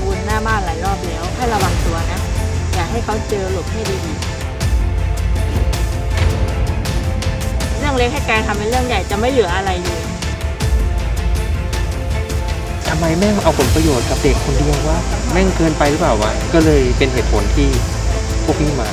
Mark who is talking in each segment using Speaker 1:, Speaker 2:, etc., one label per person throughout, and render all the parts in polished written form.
Speaker 1: วลหน้าบ้านหลายรอบแล้วให้ระวังตัวนะอย่าให้เขาเจอหลบให้ดีๆเรื่องเล็กให้กลายทำเป็นเรื่องใหญ่จะไม่เหลืออะไรเลย
Speaker 2: ทำไมแม่งเอาผลประโยชน์กับเด็กคนเดียววะแม่งเกินไปหรือเปล่าวะก็เลยเป็นเหตุผลที่พวกพี่มา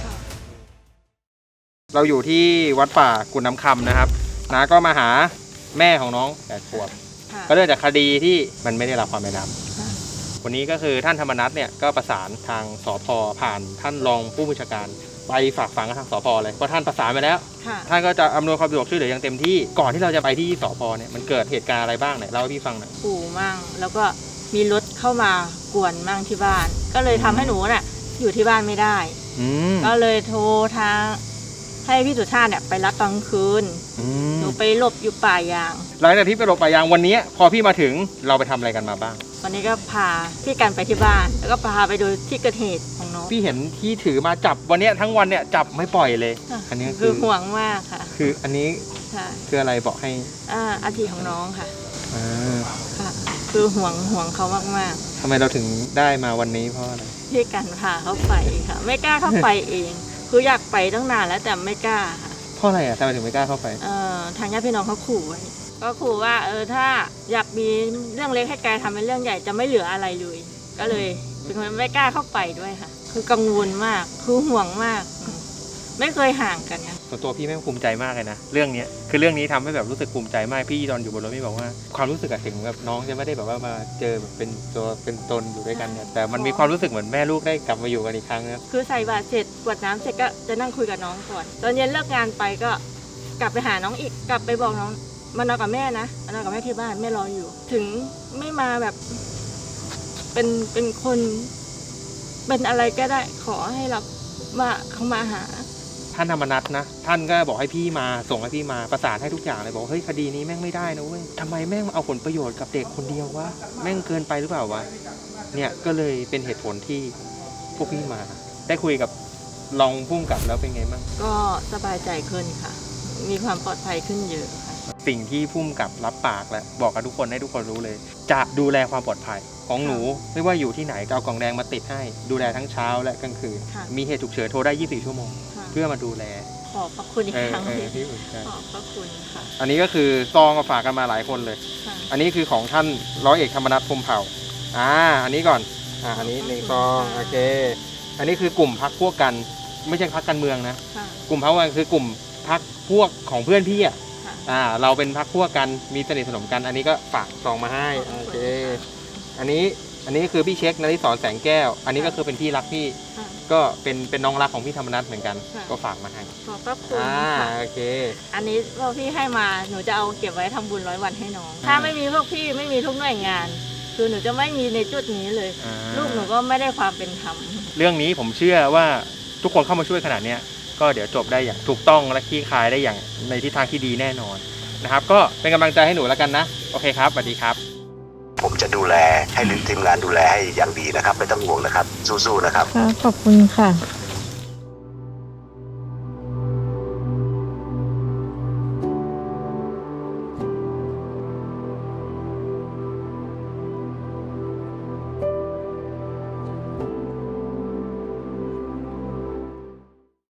Speaker 2: เราอยู่ที่วัดป่ากุฎน้ำคำนะครับน้าก็มาหาแม่ของน้อง8 ขวบก็เนื่องจากคดีที่มันไม่ได้รับความเป็นธรรมวันนี้ก็คือท่านธรรมนัสเนี่ยก็ประสานทางสภ.ผ่านท่านรองผู้บัญชาการไปฝากฝังกับทางสภ.เลยเพราะท่านประสานไปแล้วท่านก็จะอำนวยความสะดวกช่วยเหลืออย่างเต็มที่ก่อนที่เราจะไปที่สภ.เนี่ยมันเกิดเหตุการณ์อะไรบ้างเนี่ยเล่าให้พี่ฟังหน่อย
Speaker 1: ขู่มั่งแล้วก็มีรถเข้ามากวนมั่งที่บ้านก็เลยทำให้หนูน่ะอยู่ที่บ้านไม่ได้ก็เลยโทรทางให้พี่สุชาติเนี่ยไปรับตอนกลางคืนหนูไปหลบอยู่ป่ายาง
Speaker 2: หลังจากที่ไปหลบป่ายางวันนี้พอพี่มาถึงเราไปทำอะไรกันมาบ้าง
Speaker 1: วันนี้ก็พาพี่กันไปที่บ้านแล้วก็พาไปดูที่เกิดเหตุของน้อง
Speaker 2: พี่เห็นที่ถือมาจับวันนี้ทั้งวันเนี่ยจับไม่ปล่อยเลย
Speaker 1: อันนี้คือห่วงมากค่ะ
Speaker 2: คืออันนี้คืออะไรบอกให้
Speaker 1: อาทิของน้องค่ะค่ะคือห่วงเขามาก
Speaker 2: ๆทำไมเราถึงได้มาวันนี้เพราะอะไร
Speaker 1: พี่กันพาเขาไปค่ะไม่กล้าเข้าไปเองคืออยากไปตั้งนานแล้วแต่ไม่กล้าค่ะ
Speaker 2: เพราะอะไรทำไมถึงไม่กล้าเข้าไป
Speaker 1: ทางญาติพี่น้องเขาขู่ไว้ก็ขู่ว่าถ้าอยากมีเรื่องเล็กให้กลายทำเป็นเรื่องใหญ่จะไม่เหลืออะไรเลยก็เลยเป็นคนไม่กล้าเข้าไปด้วยค่ะคือกังวลมากคือห่วงมากไม่เคยห่างกันนะ
Speaker 2: ส่วนตัวพี่แม่ภูมิใจมากเลยนะเรื่องนี้คือเรื่องนี้ทำให้แบบรู้สึกภูมิใจมากพี่ตอนอยู่บนรถพี่บอกว่าความรู้สึกถึงแบบน้องจะไม่ได้แบบว่ามาเจอแบบเป็นตัวเป็นตนอยู่ด้วยกันเนี่ยแต่มันมีความรู้สึกเหมือนแม่ลูกได้กลับมาอยู่กันอีกครั้งนะ
Speaker 1: คือใส่บาตรเสร็จกวดน้ำเสร็จก็จะนั่งคุยกับน้องก่อนตอนเย็นเลิกงานไปก็กลับไปหาน้องอีกกลับไปบอกน้องมานอนกับแม่นะมานอนกับแม่ที่บ้านแม่รออยู่ถึงไม่มาแบบเป็นคนเป็นอะไรก็ได้ขอให้เรามาเขามาหา
Speaker 2: ท่านธรรมนัสนะท่านก็บอกให้พี่มาส่งให้พี่มาประสานให้ทุกอย่างเลยบอกเฮ้ยคดีนี้แม่งไม่ได้นะเว้ยทำไมแม่งเอาผลประโยชน์กับเด็กคนเดียววะแม่งเกินไปหรือเปล่าวะเนี่ยก็เลยเป็นเหตุผลที่พวกพี่มาได้คุยกับรองผู้กำกับแล้วเป็นไงบ้าง
Speaker 1: ก็สบายใจขึ้นค่ะมีความปลอดภัยขึ้นเยอะค่ะ
Speaker 2: สิ่งที่ผู้กำกับรับปากแล้วบอกกับทุกคนให้ทุกคนรู้เลยจะดูแลความปลอดภัยของหนูไม่ว่าอยู่ที่ไหนเอากล่องแดงมาติดให้ดูแลทั้งเช้าและกลางคืนมีเหตุฉุกเฉินโทรได้24 ชั่วโมงเพื่อมาดูแล
Speaker 1: ขอบพระคุณอีกครั้งที่ขอบพระคุณค่ะ
Speaker 2: อันนี้ก็คือซองมาฝากกันมาหลายคนเลยอันนี้คือของท่านร้อยเอกธรรมนัส พรหมเผ่าอันนี้ก่อนอันนี้1 ซองโอเคอันนี้คือกลุ่มพรรคพวกกันไม่ใช่พรรคการเมืองนะกลุ่มพรรคกันคือกลุ่มพรรคพวกของเพื่อนพี่เราเป็นพรรคพวกกันมีสนิทสนมกันอันนี้ก็ฝากซองมาให้โอเคอันนี้คือพี่เช็คนฤศรแสงแก้วอันนี้ก็คือเป็นพี่รักพี่ก็เป็นน้องรักของพี่ธรรมนัสเหมือนกันก็ฝากมาให้
Speaker 1: ขอบพระคุณค่ะ
Speaker 2: โอเค
Speaker 1: อันนี้พวกพี่ให้มาหนูจะเอาเก็บไว้ทำบุญ100 วันให้น้องถ้าไม่มีพวกพี่ไม่มีทุกหน่วยงานคือหนูจะไม่มีในจุดนี้เลยลูกหนูก็ไม่ได้ความเป็นธรรม
Speaker 2: เรื่องนี้ผมเชื่อว่าทุกคนเข้ามาช่วยขนาดนี้ก็เดี๋ยวจบได้อย่างถูกต้องและคลี่คลายได้อย่างในทิศทางที่ดีแน่นอนนะครับก็เป็นกำลังใจให้หนูแล้วกันนะโอเคครับสวัสดีครับ
Speaker 3: ผมจะดูแลให้ทีมงานดูแลให้อย่างดีนะครับไม่ต้องห่วงนะครับสู้ๆนะครับ
Speaker 1: ขอบคุณค่ะ